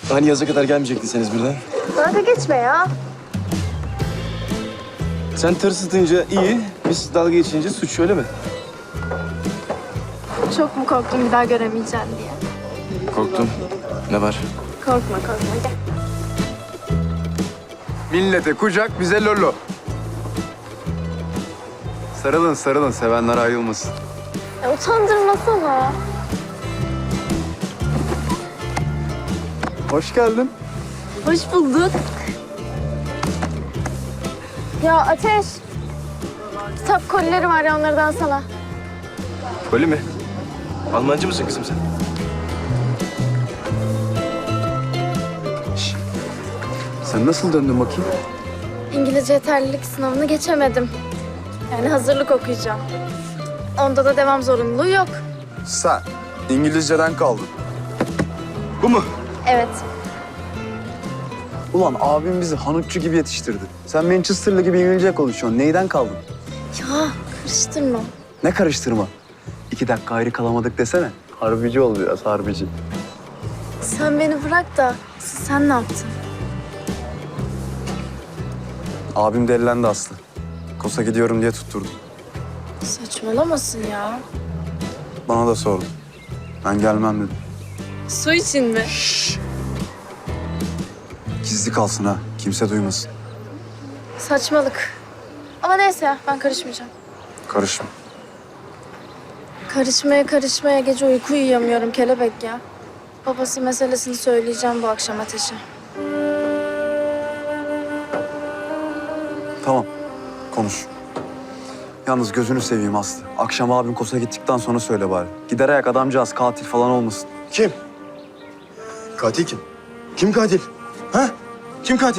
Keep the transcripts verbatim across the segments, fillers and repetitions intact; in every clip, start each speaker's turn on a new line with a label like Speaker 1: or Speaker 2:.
Speaker 1: Hani yaza kadar gelmeyecektiniz birden?
Speaker 2: Dalga geçme ya.
Speaker 1: Sen tır ısıtınca iyi, biz dalga geçince suç, öyle mi?
Speaker 2: Çok mu korktun bir daha göremeyeceğim diye?
Speaker 1: Korktum. Ne var?
Speaker 2: Korkma korkma gel.
Speaker 3: Millete kucak, bize lolo. Sarılın sarılın, sevenler ayrılmasın.
Speaker 2: Ya, utandırmasana.
Speaker 3: Hoş geldin.
Speaker 2: Hoş bulduk. Ya Ateş. Kitap kolileri var ya onlardan sana.
Speaker 1: Öyle mi? Almancı mısın kızım sen?
Speaker 3: Sen nasıl döndün bakayım?
Speaker 2: İngilizce yeterlilik sınavını geçemedim. Yani hazırlık okuyacağım. Onda da devam zorunluluğu yok.
Speaker 3: Sen İngilizceden kaldın.
Speaker 1: Bu mu?
Speaker 2: Evet.
Speaker 3: Ulan abim bizi Hanutçu gibi yetiştirdi. Sen Manchester'lı gibi İngilizce konuşuyorsun. Neyden kaldın?
Speaker 2: Ya karıştırma.
Speaker 3: Ne karıştırma? İki dakika ayrı kalamadık desene. Harbici ol biraz, harbici.
Speaker 2: Sen beni bırak da sen ne yaptın?
Speaker 3: Abim delilendi Aslı. Kosa gidiyorum diye tutturdu.
Speaker 2: Saçmalamasın ya.
Speaker 3: Bana da sordu. Ben gelmem dedim.
Speaker 2: Su için mi?
Speaker 3: Gizli kalsın ha. Kimse duymasın.
Speaker 2: Saçmalık. Ama neyse ya ben karışmayacağım.
Speaker 3: Karışma.
Speaker 2: Karışmaya karışmaya gece uyku uyuyamıyorum kelebek ya. Babası meselesini söyleyeceğim bu akşam Ateş'e.
Speaker 3: Tamam. Konuş. Yalnız gözünü seveyim Aslı. Akşam abim Kosa gittikten sonra söyle bari. Gider ayak adamcağız katil falan olmasın.
Speaker 1: Kim? Katil kim? Kim katil? Ha? Kim katil?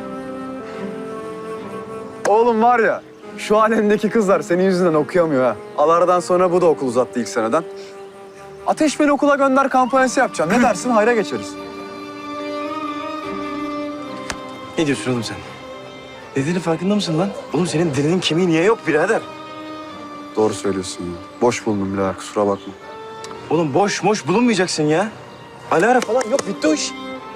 Speaker 3: Oğlum var ya, şu alemdeki kızlar senin yüzünden okuyamıyor ha. Alardan sonra bu da okul uzattı ilk seneden. Ateş beni okula gönder kampanyası yapacağım. Ne dersin? Hayra geçeriz.
Speaker 1: Ne diyorsun oğlum sen? Dediğinin farkında mısın lan? Oğlum senin dilinin kemiği niye yok birader?
Speaker 3: Doğru söylüyorsun ya. Boş buldum birader, kusura bakma.
Speaker 1: Oğlum boş boş bulunmayacaksın ya. Alara falan yok, bitti o iş.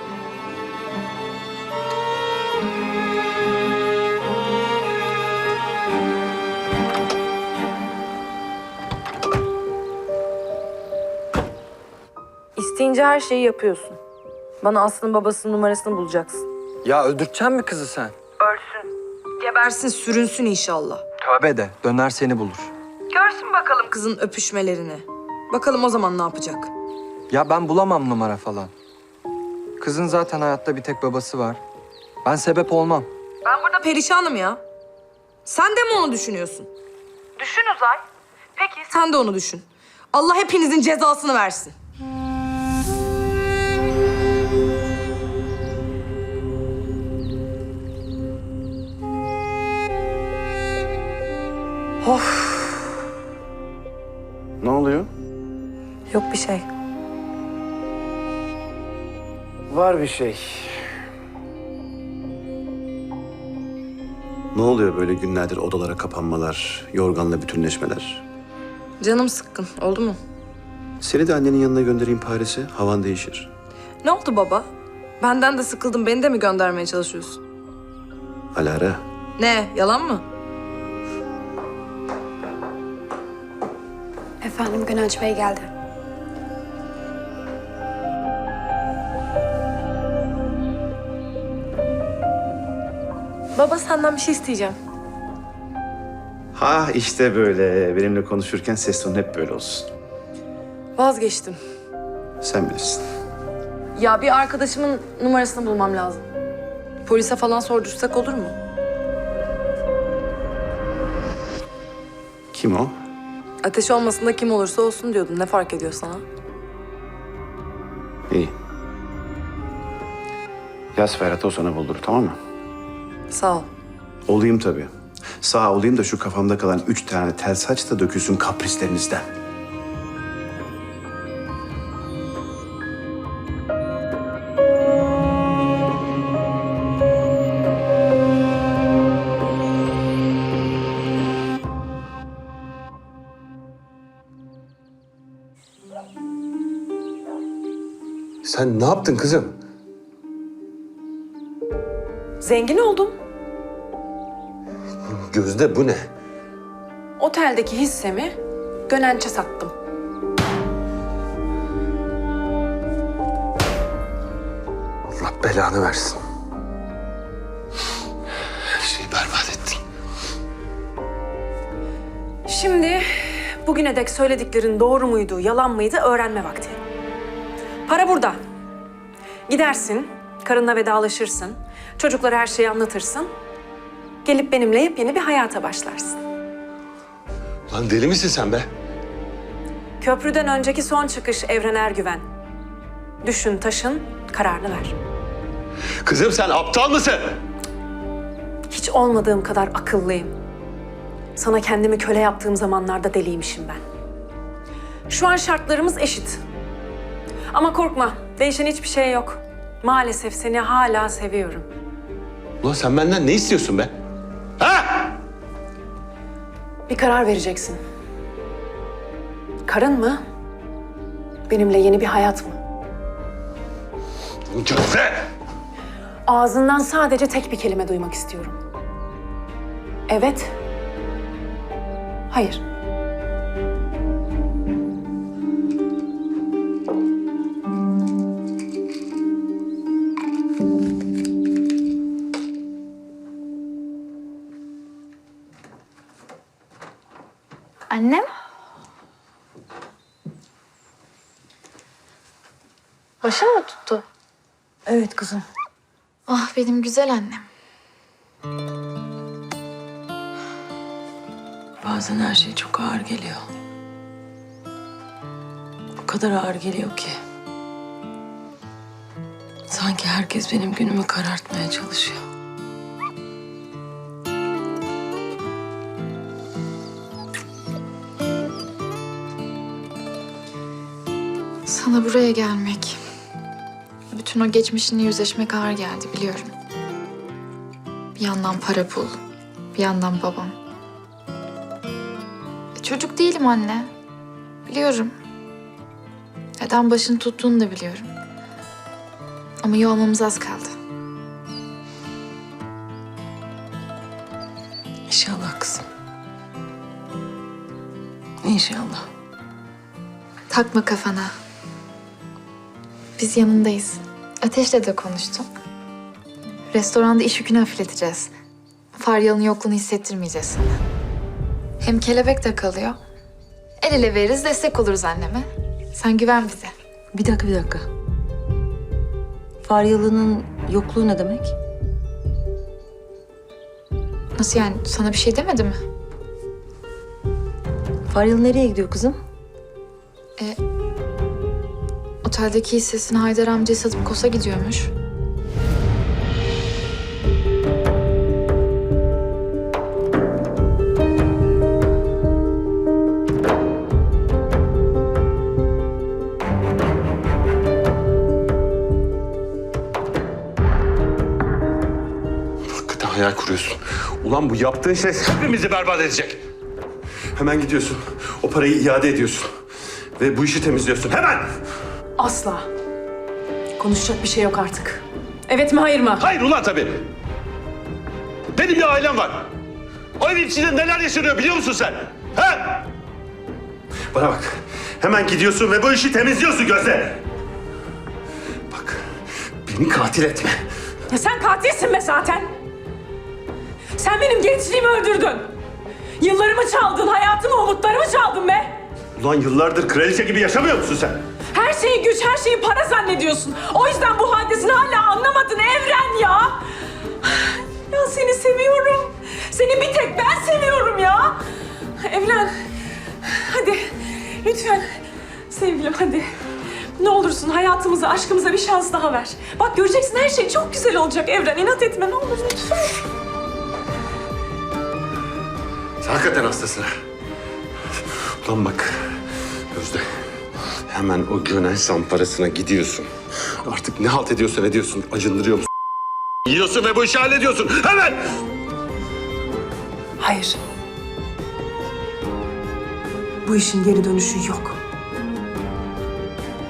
Speaker 4: İsteyince her şeyi yapıyorsun. Bana Aslı'nın babasının numarasını bulacaksın.
Speaker 5: Ya öldürteceksin mi kızı sen?
Speaker 4: Ölsün. Gebersin, sürünsün inşallah.
Speaker 5: Tövbe de döner seni bulur.
Speaker 4: Görsün bakalım kızın öpüşmelerini. Bakalım o zaman ne yapacak?
Speaker 5: Ya ben bulamam numara falan. Kızın zaten hayatta bir tek babası var. Ben sebep olmam.
Speaker 4: Ben burada perişanım ya. Sen de mi onu düşünüyorsun? Düşün Uzay. Peki sen de onu düşün. Allah hepinizin cezasını versin.
Speaker 3: Ne oluyor?
Speaker 4: Yok bir şey.
Speaker 6: Var bir şey. Ne oluyor böyle günlerdir odalara kapanmalar, yorganla bütünleşmeler?
Speaker 4: Canım sıkkın. Oldu mu?
Speaker 6: Seni de annenin yanına göndereyim Paris'e, havan değişir.
Speaker 4: Ne oldu baba? Benden de sıkıldın. Beni de mi göndermeye çalışıyorsun?
Speaker 6: Alara,
Speaker 4: Ne? Yalan mı?
Speaker 7: Efendim Gönenç Bey geldi.
Speaker 4: Baba senden bir şey isteyeceğim.
Speaker 6: ha işte böyle. Benimle konuşurken ses tonu hep böyle olsun.
Speaker 4: Vazgeçtim.
Speaker 6: Sen bilirsin.
Speaker 4: Ya bir arkadaşımın numarasını bulmam lazım. Polise falan sordursak olur mu?
Speaker 6: Kim o?
Speaker 4: Ateş olmasın da kim olursa olsun diyordun. Ne fark ediyor sana?
Speaker 6: İyi. Yaz Ferhat'ı o sana buldur, tamam mı?
Speaker 4: Sağ ol.
Speaker 6: Olayım tabii. Sağ olayım da şu kafamda kalan üç tane tel saç da dökülsün kaprislerinizden.
Speaker 8: Sen ne yaptın kızım?
Speaker 7: Zengin oldum.
Speaker 8: Gözde bu ne?
Speaker 7: Oteldeki hissemi Gönenç'e sattım.
Speaker 8: Allah belanı versin. Her şeyi berbat ettin.
Speaker 7: Şimdi bugüne dek söylediklerin doğru muydu, yalan mıydı öğrenme vakti. Para burada. Gidersin, karınla vedalaşırsın, çocuklara her şeyi anlatırsın. Gelip benimle yepyeni bir hayata başlarsın.
Speaker 8: Lan deli misin sen be?
Speaker 7: Köprüden önceki son çıkış Evren Ergüven. Düşün, taşın, kararını ver.
Speaker 8: Kızım sen aptal mısın?
Speaker 7: Hiç olmadığım kadar akıllıyım. Sana kendimi köle yaptığım zamanlarda deliymişim ben. Şu an şartlarımız eşit. Ama korkma, değişen hiçbir şey yok. Maalesef seni hala seviyorum.
Speaker 8: Ulan sen benden ne istiyorsun be? Ha?
Speaker 7: Bir karar vereceksin. Karın mı? Benimle yeni bir hayat mı?
Speaker 8: Gözde!
Speaker 7: Ağzından sadece tek bir kelime duymak istiyorum. Evet. Hayır.
Speaker 2: Annem? Başın mı tuttu?
Speaker 9: Evet kızım.
Speaker 2: Ah benim güzel annem.
Speaker 9: Bazen her şey çok ağır geliyor. O kadar ağır geliyor ki. Sanki herkes benim günümü karartmaya çalışıyor.
Speaker 2: Sana buraya gelmek, bütün o geçmişinle yüzleşmek ağır geldi biliyorum. Bir yandan para pul, bir yandan babam. E, çocuk değilim anne. Biliyorum. Neden başını tuttuğunu da biliyorum. Ama iyi olmamız az kaldı.
Speaker 9: İnşallah kızım. İnşallah.
Speaker 2: Takma kafana. Biz yanındayız. Ateş'le de konuştum. Restoranda iş yükünü hafifleteceğiz. Faryalı'nın yokluğunu hissettirmeyeceğiz sana. Hem kelebek de kalıyor. El ele veririz, destek oluruz anneme. Sen güven bize.
Speaker 9: Bir dakika, bir dakika. Faryalı'nın yokluğu ne demek?
Speaker 2: Nasıl yani? Sana bir şey demedi mi?
Speaker 9: Faryalı nereye gidiyor kızım?
Speaker 2: E, oteldeki hissesini Haydar amcaya satıp Kos'a gidiyormuş.
Speaker 8: Hakikaten hayal kuruyorsun. Ulan bu yaptığın şey hepimizi berbat edecek. Hemen gidiyorsun. O parayı iade ediyorsun. Ve bu işi temizliyorsun. Hemen!
Speaker 7: Asla. Konuşacak bir şey yok artık. Evet mi, hayır mı?
Speaker 8: Hayır ulan tabii. Benim bir ailem var. O evin içinde neler yaşanıyor biliyor musun sen? Ha? Bana bak. Hemen gidiyorsun ve bu işi temizliyorsun Gözde. Bak. Beni katil etme.
Speaker 7: Ya sen katilsin be zaten. Sen benim gençliğimi öldürdün. Yıllarımı çaldın, hayatımı, umutlarımı çaldın be.
Speaker 8: Ulan yıllardır kraliçe gibi yaşamıyor musun sen?
Speaker 7: Her şeyi güç, her şeyi para zannediyorsun. O yüzden bu hadisini hala anlamadın Evren ya. Ya seni seviyorum. Seni bir tek ben seviyorum ya. Evren, hadi lütfen sevgilim hadi. Ne olursun hayatımıza, aşkımıza bir şans daha ver. Bak göreceksin her şey çok güzel olacak Evren. İnat etme ne olur lütfen.
Speaker 8: Sen hakikaten hastasın ha. Ulan bak Gözde. Hemen o Gönen samparasına gidiyorsun. Artık ne halt ediyorsan ediyorsun. Acındırıyor musun? Yiyorsun ve bu işi hallediyorsun. Hemen!
Speaker 7: Hayır. Bu işin geri dönüşü yok.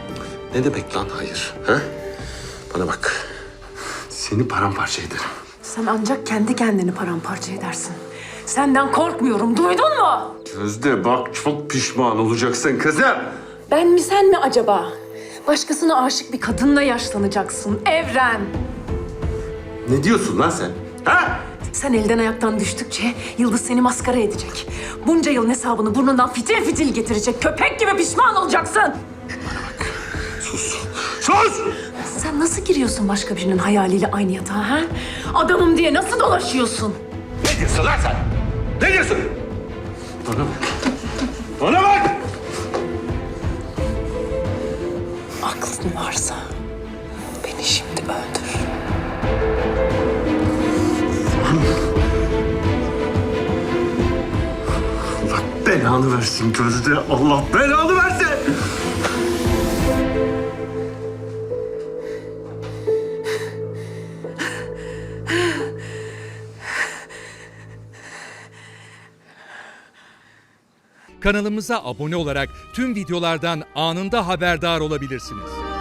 Speaker 8: Ne demek lan hayır? Ha? Bana bak. Seni paramparça ederim.
Speaker 7: Sen ancak kendi kendini paramparça edersin. Senden korkmuyorum, duydun mu?
Speaker 8: Gözde bak çok pişman olacaksın kızım.
Speaker 7: Ben mi sen mi acaba? Başkasına aşık bir kadınla yaşlanacaksın Evren.
Speaker 8: Ne diyorsun lan sen? Ha?
Speaker 7: Sen elden ayaktan düştükçe Yıldız seni maskara edecek. Bunca yılın hesabını burnundan fitil fitil getirecek. Köpek gibi pişman olacaksın.
Speaker 8: Sus! Sus!
Speaker 7: Sen nasıl giriyorsun başka birinin hayaliyle aynı yatağa ha? Adamım diye nasıl dolaşıyorsun?
Speaker 8: Ne diyorsun lan sen? Ne diyorsun? Bana bak. Bana bak!
Speaker 9: Aklın varsa beni şimdi öldür.
Speaker 8: Allah belanı versin Gözde. Allah belanı versin.
Speaker 10: Kanalımıza abone olarak tüm videolardan anında haberdar olabilirsiniz.